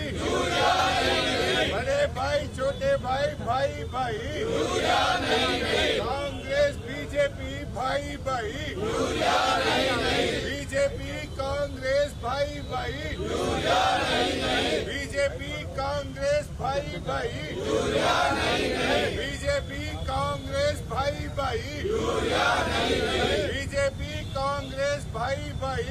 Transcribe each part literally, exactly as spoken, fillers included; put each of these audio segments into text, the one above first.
बड़े भाई छोटे भाई भाई भाई कांग्रेस बीजेपी भाई भाई बीजेपी कांग्रेस भाई भाई बीजेपी कांग्रेस भाई भाई बीजेपी कांग्रेस भाई भाई बीजेपी कांग्रेस भाई भाई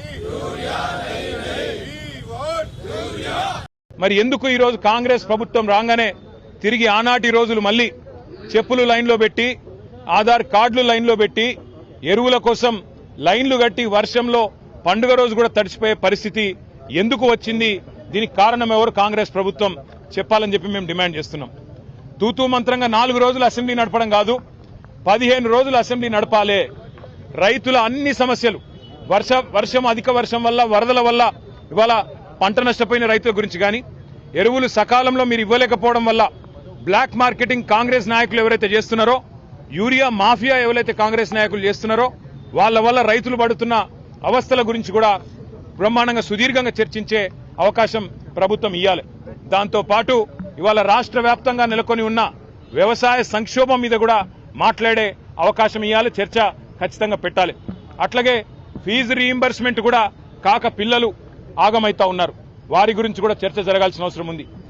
మరి ఎందుకు ఈ రోజు కాంగ్రెస్ ప్రభుత్వం రాగానే తిరిగి ఆనాటి రోజులు మళ్ళీ చెప్పులు లైన్లో పెట్టి ఆధార్ కార్డులు లైన్లో పెట్టి ఎరువుల కోసం లైన్లు కట్టి వర్షంలో పండుగ రోజు కూడా తడిసిపోయే పరిస్థితి ఎందుకు వచ్చింది? దీనికి కారణం ఎవరు? కాంగ్రెస్ ప్రభుత్వం చెప్పాలని చెప్పి మేము డిమాండ్ చేస్తున్నాం. తూతూ మంత్రంగా నాలుగు రోజులు అసెంబ్లీ నడపడం కాదు, పదిహేను రోజులు అసెంబ్లీ నడపాలే. రైతుల అన్ని సమస్యలు, వర్ష వర్షం అధిక వర్షం వల్ల, వరదల వల్ల ఇవాళ పంట నష్టపోయిన రైతుల గురించి కానీ, ఎరువులు సకాలంలో మీరు ఇవ్వలేకపోవడం వల్ల బ్లాక్ మార్కెటింగ్ కాంగ్రెస్ నాయకులు ఎవరైతే చేస్తున్నారో, యూరియా మాఫియా ఎవరైతే కాంగ్రెస్ నాయకులు చేస్తున్నారో వాళ్ళ వల్ల రైతులు పడుతున్న అవస్థల గురించి కూడా బ్రహ్మాండంగా సుదీర్ఘంగా చర్చించే అవకాశం ప్రభుత్వం ఇవ్వాలి. దాంతో పాటు ఇవాళ రాష్ట్ర వ్యాప్తంగా నెలకొని ఉన్న వ్యవసాయ సంక్షోభం మీద కూడా మాట్లాడే అవకాశం ఇవ్వాలి, చర్చ ఖచ్చితంగా పెట్టాలి. అట్లాగే ఫీజు రీయింబర్స్మెంట్ కూడా కాక పిల్లలు ఆగమైతా ఉన్నారు, వారి గురించి కూడా చర్చ జరగాల్సిన అవసరం ఉంది.